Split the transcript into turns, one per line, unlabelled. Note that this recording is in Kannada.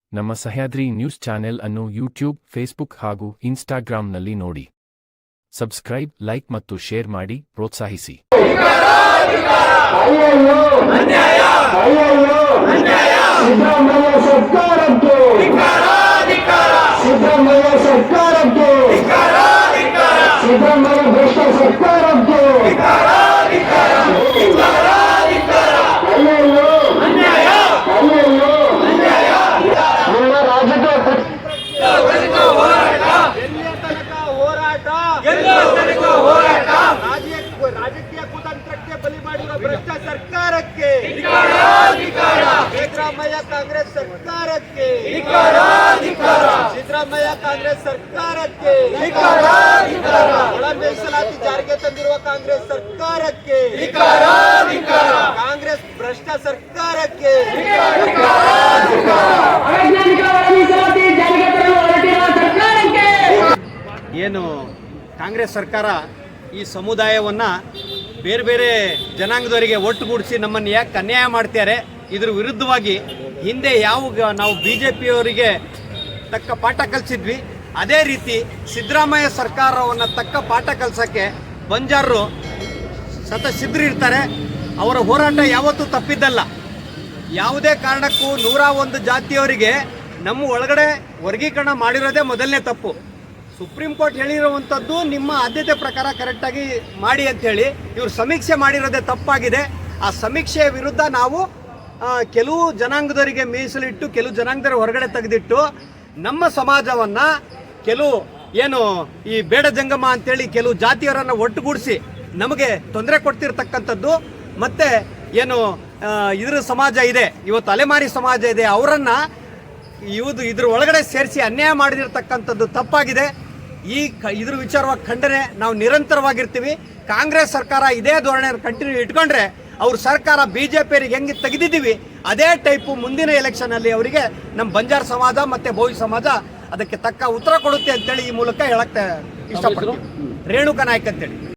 ನಮ್ಮ ಸಹ್ಯಾದ್ರಿ ನ್ಯೂಸ್ ಚಾನೆಲ್ ಅನ್ನು ಯೂಟ್ಯೂಬ್, ಫೇಸ್ಬುಕ್ ಹಾಗೂ ಇನ್ಸ್ಟಾಗ್ರಾಂನಲ್ಲಿ ನೋಡಿ. ಸಬ್ಸ್ಕ್ರೈಬ್, ಲೈಕ್ ಮತ್ತು ಶೇರ್ ಮಾಡಿ ಪ್ರೋತ್ಸಾಹಿಸಿ.
ರಾಜಕೀಯ ಕುತಂತ್ರಕ್ಕೆ ಬಲಿ ಮಾಡಿರುವ ಭ್ರಷ್ಟ ಸರ್ಕಾರಕ್ಕೆ, ಸಿದ್ದರಾಮಯ್ಯ ಕಾಂಗ್ರೆಸ್ ಸರ್ಕಾರಕ್ಕೆ, ಸಿದ್ದರಾಮಯ್ಯ ಕಾಂಗ್ರೆಸ್ ಸರ್ಕಾರಕ್ಕೆ, ಒಳ ಮೀಸಲಾತಿ ಜಾರಿಗೆ ತಂದಿರುವ ಕಾಂಗ್ರೆಸ್ ಸರ್ಕಾರಕ್ಕೆ, ಕಾಂಗ್ರೆಸ್ ಭ್ರಷ್ಟ ಸರ್ಕಾರಕ್ಕೆ, ಏನು ಕಾಂಗ್ರೆಸ್ ಸರ್ಕಾರ ಈ ಸಮುದಾಯವನ್ನು ಬೇರೆ ಬೇರೆ ಜನಾಂಗದವರಿಗೆ ಒಟ್ಟುಗೂಡಿಸಿ ನಮ್ಮನ್ನು ಯಾಕೆ ಅನ್ಯಾಯ ಮಾಡ್ತಾರೆ, ಇದ್ರ ವಿರುದ್ಧವಾಗಿ ಹಿಂದೆ ಯಾವ ನಾವು BJPಯವರಿಗೆ ತಕ್ಕ ಪಾಠ ಕಲಿಸಿದ್ವಿ, ಅದೇ ರೀತಿ ಸಿದ್ದರಾಮಯ್ಯ ಸರ್ಕಾರವನ್ನು ತಕ್ಕ ಪಾಠ ಕಲಿಸೋಕ್ಕೆ ಬಂಜಾರರು ಸಿದ್ಧರಿರ್ತಾರೆ. ಅವರ ಹೋರಾಟ ಯಾವತ್ತೂ ತಪ್ಪಿದ್ದಲ್ಲ. ಯಾವುದೇ ಕಾರಣಕ್ಕೂ 101 ಜಾತಿಯವರಿಗೆ ನಮ್ಮ ಒಳಗಡೆ ವರ್ಗೀಕರಣ ಮಾಡಿರೋದೇ ಮೊದಲನೇ ತಪ್ಪು. ಸುಪ್ರೀಂ ಕೋರ್ಟ್ ಹೇಳಿರುವಂಥದ್ದು ನಿಮ್ಮ ಆದ್ಯತೆ ಪ್ರಕಾರ ಕರೆಕ್ಟಾಗಿ ಮಾಡಿ ಅಂಥೇಳಿ ಇವರು ಸಮೀಕ್ಷೆ ಮಾಡಿರೋದೇ ತಪ್ಪಾಗಿದೆ. ಆ ಸಮೀಕ್ಷೆಯ ವಿರುದ್ಧ ನಾವು ಕೆಲವು ಜನಾಂಗದವರಿಗೆ ಮೀಸಲಿಟ್ಟು, ಕೆಲವು ಜನಾಂಗದವರ ಹೊರಗಡೆ ತೆಗೆದಿಟ್ಟು ನಮ್ಮ ಸಮಾಜವನ್ನು ಕೆಲವು ಏನು ಈ ಬೇಡ ಜಂಗಮ ಅಂಥೇಳಿ ಕೆಲವು ಜಾತಿಯವರನ್ನು ಒಟ್ಟುಗೂಡಿಸಿ ನಮಗೆ ತೊಂದರೆ ಕೊಡ್ತಿರ್ತಕ್ಕಂಥದ್ದು, ಮತ್ತು ಏನು ಇದ್ರ ಸಮಾಜ ಇದೆ, ಇವತ್ತು ಅಲೆಮಾರಿ ಸಮಾಜ ಇದೆ, ಅವರನ್ನು ಇದ್ರ ಒಳಗಡೆ ಸೇರಿಸಿ ಅನ್ಯಾಯ ಮಾಡಿದಿರ್ತಕ್ಕಂಥದ್ದು ತಪ್ಪಾಗಿದೆ. ಇದ್ರ ವಿಚಾರವಾಗಿ ಖಂಡನೆ ನಾವು ನಿರಂತರವಾಗಿರ್ತೀವಿ. ಕಾಂಗ್ರೆಸ್ ಸರ್ಕಾರ ಇದೇ ಧೋರಣೆ ಕಂಟಿನ್ಯೂ ಇಟ್ಕೊಂಡ್ರೆ ಅವ್ರ ಸರ್ಕಾರ BJPಯವರಿಗೆ ಹೆಂಗೆ ತೆಗೆದಿದ್ದೀವಿ ಅದೇ ಟೈಪು ಮುಂದಿನ ಎಲೆಕ್ಷನಲ್ಲಿ ಅವರಿಗೆ ನಮ್ಮ ಬಂಜಾರ ಸಮಾಜ ಮತ್ತು ಬೋವಿ ಸಮಾಜ ಅದಕ್ಕೆ ತಕ್ಕ ಉತ್ತರ ಕೊಡುತ್ತೆ ಅಂತೇಳಿ ಈ ಮೂಲಕ ಹೇಳಕ್ಕೆ ಇಷ್ಟಪಡ್ತೀನಿ. ರೇಣುಕಾ ನಾಯ್ಕ ಅಂತೇಳಿ.